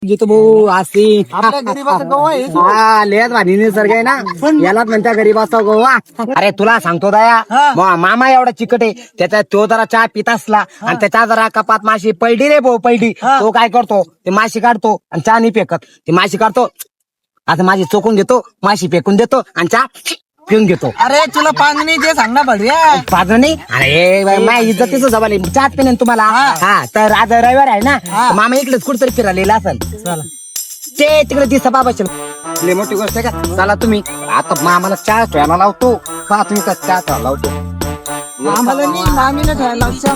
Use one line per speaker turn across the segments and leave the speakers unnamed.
घेतो भाऊ अशी
आपल्या गरीबाचा गोवा आहे.
हा लेत भारी निसर्ग आहे ना यालाच म्हणत्या गरीबाचा गोवा. अरे तुला सांगतो दया मामा एवढा चिकट आहे त्याचा तो जरा चहा पित असला आणि त्याच्या जरा कपात माशी पडली रे भाऊ पडली तो काय करतो ते माशी काढतो आणि चहा नाही फेकत ते माशी काढतो आता माझी चोकून घेतो माशी फेकून देतो आणि चहा पिऊन घेतो.
अरे तुला पांगणी जे सांग ना बढिया.
पाहतो नाही अरे माझ्या इज्जतीचं सवाल आहे चहाच पिणे तुम्हाला. हा तर आज रविवार आहे ना तर मामा इकडेच कुठतरी फिरायला असेल ते तिकडे दिसा बाबा लय मोठी गोष्ट आहे का. चला तुम्ही आता मामाला चहा ठेवायला लावतो पहा तुम्ही का चहा ठेवायला लावतो.
आम्हाला नाही मामीला ठेवायला लक्षात.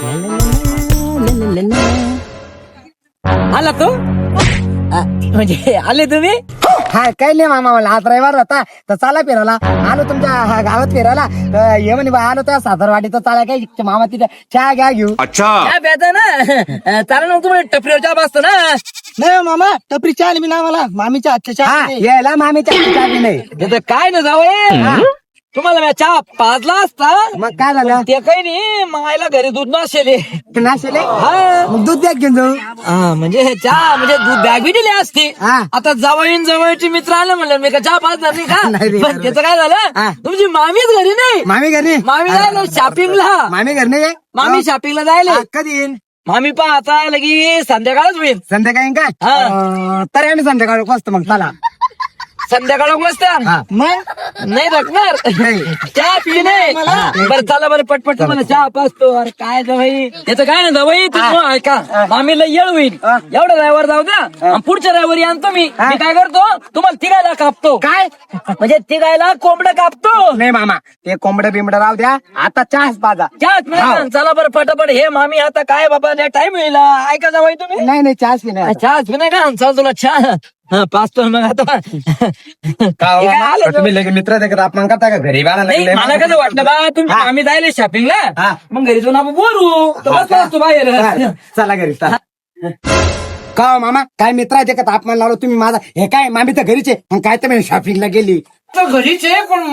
आला तू म्हणजे आले तुम्ही.
हा काही नाही मामा मला आज रविवार होता तर चला फिरायला आलो तुमच्या गावात फिरायला तर ये म्हणे बा आलो त्या सासरवाडीचा चाला काय मामा तिथे चहा घ्या घेऊ.
काय प्यायचं ना चालेल मग तुम्ही टपरीवर चहा बसतो ना.
नाही मामा टपरी चहा मी ना मला मामीच्या हातच्या चहा
हा
नाही.
यायला मामीच्या चहा बी नाही.
तिथं काय ना जावं तुम्हाला मी चहा पाजला असता
मग काय झालं
ते काही नाही मग आईला घरी दूध नसेल.
नाशिले
हा
मग दूध द्या घेऊन जाऊ.
म्हणजे चहा म्हणजे दूध बॅग बी दिली असती.
हा.
आता जवळचे मित्र आले म्हणलं मी का चहा पाजणार नाही
नाही रे,
का. पण त्याचं काय
हा.
झालं तुमची मामीच घरी नाही.
मामी घरी
मामी जायला शॉपिंगला.
मामी घर नाही आहे?
मामी शॉपिंगला जायला.
हा, कधी येईन
मामी पहा आता लगी संध्याकाळच होईल.
संध्याकाळी का तरी आम्ही संध्याकाळी बसतो मग चला.
संध्याकाळ वाजता
हा.
मग नाही रखणार
नाही.
चहा पी नाही बरं चला बरं पटपट तुम्हाला चहा पाचतो. अरे काय जवाई याचं काय ना जवाई तुम्ही ऐका मामीला येळ होईल एवढं ड्रायव्हर जाऊ द्या आणि पुढच्या ड्रायव्हर आणतो मी काय करतो तुम्हाला तिघायला कापतो.
काय
म्हणजे तिघायला कोंबडं कापतो.
नाही मामा ते कोंबडं बिंबडं राहू द्या आता चहाच पाजा.
चहाच चला बरं पटापट हे मामी आता काय बाबा टाइम होईल ऐका जवाई तुम्ही
नाही नाही चहाच पिणे
चहाच पी नाही का चल तुला चहा पाचतो मग आता हे काय आलं
तुम्ही लगे मित्र देखत अपमान करता का घरी बाळा
नाही मला कसं वाटलं बा तुम्ही आम्ही जायला शॉपिंगला
हा.
मग घरी जाऊन आपण बोलू तर बसला असतो बाहेर.
चला घरी चला. का हो मामा काय मित्र आहे का अपमान लावलो तुम्ही माझा हे काय मामी तर घरीचे मग काय तर शॉपिंगला गेली
तर घरीच आहे पण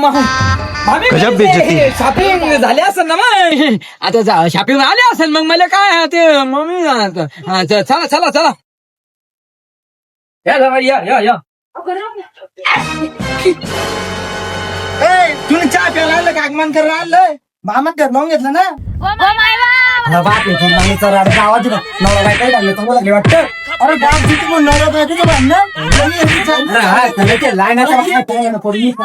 शॉपिंग झाले असेल ना मग आता शॉपिंग आले असेल मग मला काय ते मम्मी चला चला चला या जावा, या
तुम्ही चहा प्यायला आलं का आगमन करायला आलं मामात घर लावून घेतलं ना.
आवाज नवरा बायको लागले तुम्हाला काय वाटतं.
अरे बाप तिथे पण नवरा बायकोचं भांडण.
लाईनाचा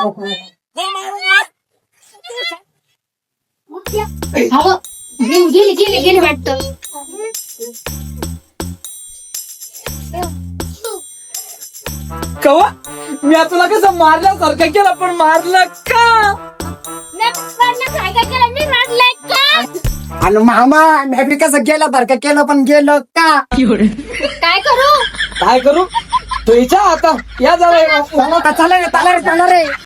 गेली वाटतं.
कवा मी आता तुला कसं मारल्यासारखं केलं पण मारलं का.
आणि मामा मी कसं गेलं बरं का केलं पण गेलं का.
काय करू
काय करू तो इच्छा आता या जावा
चला रे चला रे